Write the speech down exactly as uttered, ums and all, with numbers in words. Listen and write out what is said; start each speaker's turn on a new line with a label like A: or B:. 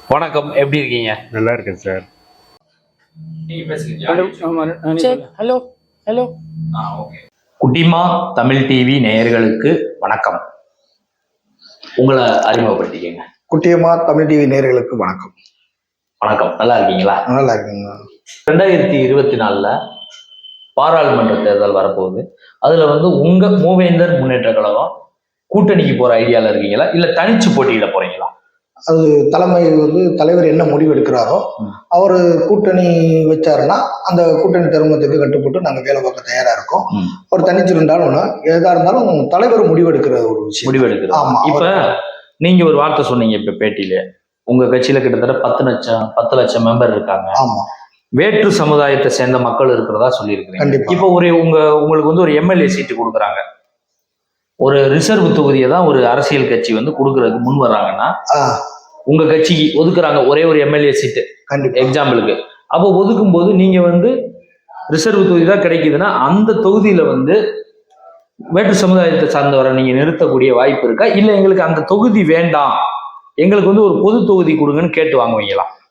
A: வணக்கம், எப்படி இருக்கீங்க?
B: நல்லா இருக்கேன் சார்.
A: நீங்க பேசுங்க.
C: ஹலோ ஹலோ
A: குட்டிமா தமிழ் டிவி நேயர்களுக்கு வணக்கம். உங்களை அறிமுகப்படுத்திக்கங்க.
C: குட்டியம்மா தமிழ் டிவி நேயர்களுக்கு வணக்கம்.
A: வணக்கம், நல்லா இருக்கீங்களா?
C: நல்லா இருக்குங்க.
A: ரெண்டாயிரத்தி இருபத்தி நாலுல பாராளுமன்ற தேர்தல் வரப்போகுது. அதுல வந்து உங்க மூவேந்தர் முன்னேற்ற கழகம் கூட்டணிக்கு போற ஐடியால இருக்கீங்களா, இல்ல தனிச்சு போட்டியிட போறீங்களா?
C: அது தலைமை வந்து தலைவர் என்ன முடிவு எடுக்கிறாரோ அவர் கூட்டணி வச்சாருன்னா அந்த கூட்டணி தர்மத்துக்கு கட்டுப்பட்டு நாங்க வேலை பார்க்க தயாரா இருக்கோம். அவர் தனிச்சு இருந்தாலும் எதா இருந்தாலும் தலைவர் முடிவு எடுக்கிற ஒரு விஷயம்.
A: முடிவு எடுக்கிறது. ஆமா. இப்ப நீங்க ஒரு வார்த்தை சொன்னீங்க இப்ப பேட்டியில, உங்க கட்சியில கிட்டத்தட்ட பத்து லட்சம் பத்து லட்சம் மெம்பர் இருக்காங்க.
C: ஆமா.
A: வேற்று சமுதாயத்தை சேர்ந்த மக்கள் இருக்கிறதா சொல்லியிருக்கிறீங்க. இப்போ ஒரு உங்க உங்களுக்கு வந்து ஒரு எம்எல்ஏ சீட்டு கொடுக்குறாங்க, ஒரு ரிசர்வ் தொகுதியை தான் ஒரு அரசியல் கட்சி வந்து கொடுக்கறதுக்கு முன் வர்றாங்கன்னா உங்க கட்சிக்கு ஒதுக்குறாங்க ஒரே ஒரு எம்எல்ஏ சீட்டு எக்ஸாம்பிளுக்கு. அப்போ ஒதுக்கும் போது நீங்க வந்து ரிசர்வ் தொகுதி தான் கிடைக்குதுன்னா அந்த தொகுதியில வந்து வேற்று சமுதாயத்தை சார்ந்தவரை நீங்க நிறுத்தக்கூடிய வாய்ப்பு இருக்கா, இல்ல எங்களுக்கு அந்த தொகுதி வேண்டாம் எங்களுக்கு வந்து ஒரு பொது தொகுதி கொடுங்கன்னு கேட்டு வாங்குவீங்களா?